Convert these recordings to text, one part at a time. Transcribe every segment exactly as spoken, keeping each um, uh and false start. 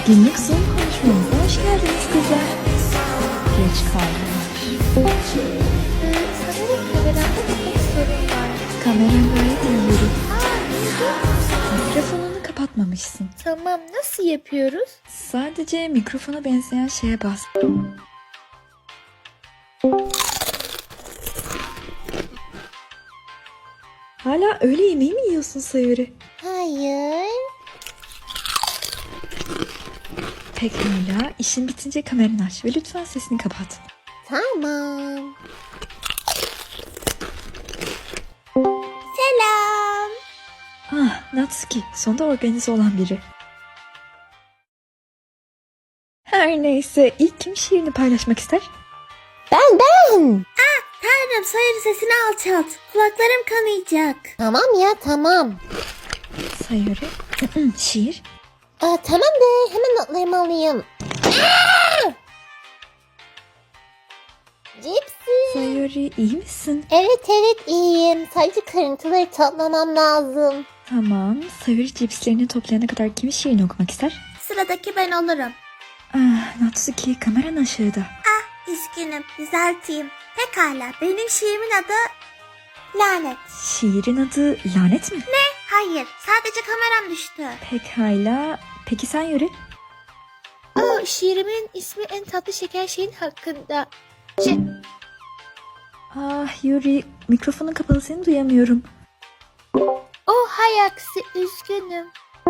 Günlük Zoom konuşmamıza hoş geldiniz kızlar. Geç kaldılar. Sanırım kameramda bir sorun var. Kameran gayet iyi yürü. Mikrofonunu kapatmamışsın. Tamam, nasıl yapıyoruz? Sadece mikrofona benzeyen şeye bas. Hala öğle yemeği mi yiyorsun Sayuri? Hayır. Pekala, işin bitince kameranı aç ve lütfen sesini kapat. Tamam. Selam. Ah, Natsuki, sonunda organize olan biri. Her neyse, ilk kim şiirini paylaşmak ister? Ben ben. Ah, Tanrım, Sayır'ın sesini alçalt. Kulaklarım kanayacak. Tamam ya, tamam. Sayuri, şiir. Aa, tamam de, hemen notlarımı alayım. Aa! Cipsi. Sayuri, iyi misin? Evet evet iyiyim. Sadece kırıntıları toplamam lazım. Tamam, Sayuri cipslerini toplayana kadar kimin şiirini okumak ister? Sıradaki ben olurum. Ah, Natsuki, kameran aşağıda. Ah, üzgünüm, düzelteyim. Pekala, benim şiirimin adı Lanet. Şiirin adı lanet mi? Hayır, sadece kameram düştü. Pekala, peki sen Yuri? Aa, şiirimin ismi en tatlı şeker şeyin hakkında. Şey, Ah Yuri, mikrofonun kapalı, seni duyamıyorum. oh hay aksi, üzgünüm.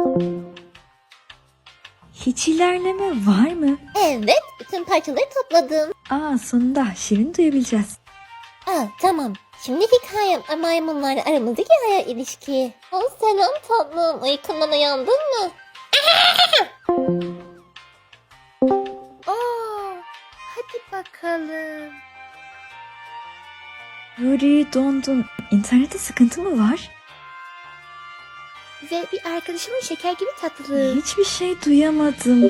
Hiç ilerleme var mı? Evet, bütün parçaları topladım. Aa, sonunda şiirini duyabileceğiz. Aa, tamam. Şimdi hikayem maymunlarla aramızdaki hayal ilişki. Oh, selam tatlım. Uykundan uyandın mı? Oo, hadi bakalım. Yuri, dondun. İnternette sıkıntı mı var? Ve bir arkadaşımın şeker gibi tatlılığı. Hiçbir şey duyamadım.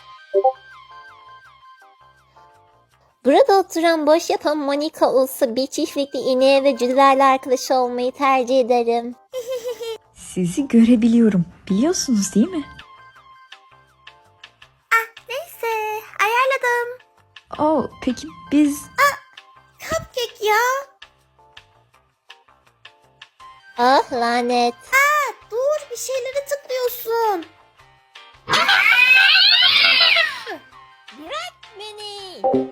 Burada oturan boş yapan Monika olsa bir çiftlikte ineğe ve cücelerle arkadaş olmayı tercih ederim. Sizi görebiliyorum. Biliyorsunuz değil mi? Neyse, ayarladım. Oh, peki biz... Cupcake ya. Ah lanet. Aa, dur, bir şeylere tıklıyorsun. Bırak beni.